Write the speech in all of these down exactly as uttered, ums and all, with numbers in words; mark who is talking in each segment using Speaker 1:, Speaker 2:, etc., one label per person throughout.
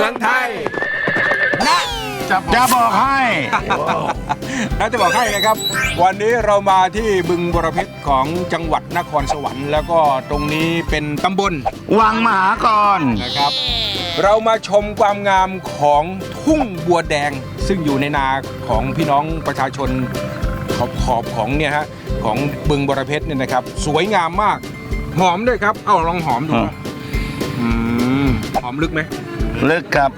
Speaker 1: มืองไทยนะ
Speaker 2: จะบอกให้
Speaker 1: น่าจะบอกให้นะครับวันนี้เรามาที่บึงบรเพชรของจังหวัดนครสวรรค์แล้วก็ตรงนี้เป็นตำบล
Speaker 2: วังมหากร
Speaker 1: นะครับ เรามาชมความงามของทุ่งบัวแดง ซึ่งอยู่ในนาของพี่น้องประชาชนขอบขอบของเนี่ยฮะของบึงบรเพชรเนี่ยนะครับ สวยงามมากหอมด้วยครับ เอ้าลองหอมดูนะอืมหอมลึกไหม
Speaker 2: ลึกครับ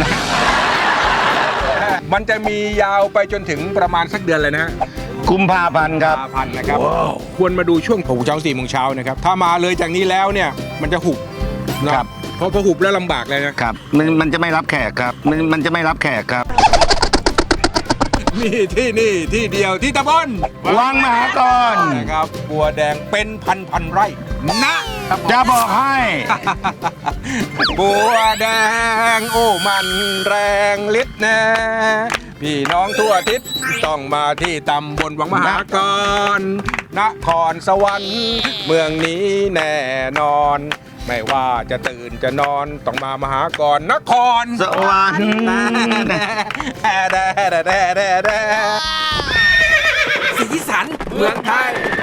Speaker 1: มันจะมียาวไปจนถึงประมาณสักเดือนเลยนะฮะ
Speaker 2: กุมภาพันธ์ครับ
Speaker 1: พันนะครับ ควรมาดูช่วงหกโมงเช้าสี่โมงเช้านะครับ ถ้ามาเลยจากนี้แล้วเนี่ยมันจะหุบนะครับ เพราะพอหุบแล้วลำบากเลยนะครับ
Speaker 2: มันมันจะไม่รับแขกครับมันมันจะไม่รับแขกครับ
Speaker 1: นี่ที่นี่ที่เดียวที่ตำบล
Speaker 2: วังมหากร
Speaker 1: นะครับบัวแดงเป็นพันพันไร่นะ
Speaker 2: จะบอกให้
Speaker 1: บัวแดงโอ้มันแรงฤทธิ์แน่พี่น้องทั่วทิศต้องมาที่ตำบลวังมหากรนครสวรรค์เมืองนี้แน่นอน ไม่ว่าจะตื่นจะนอนต้องมามหากรนคร
Speaker 2: สวรรค์
Speaker 1: สีสันเมืองไทย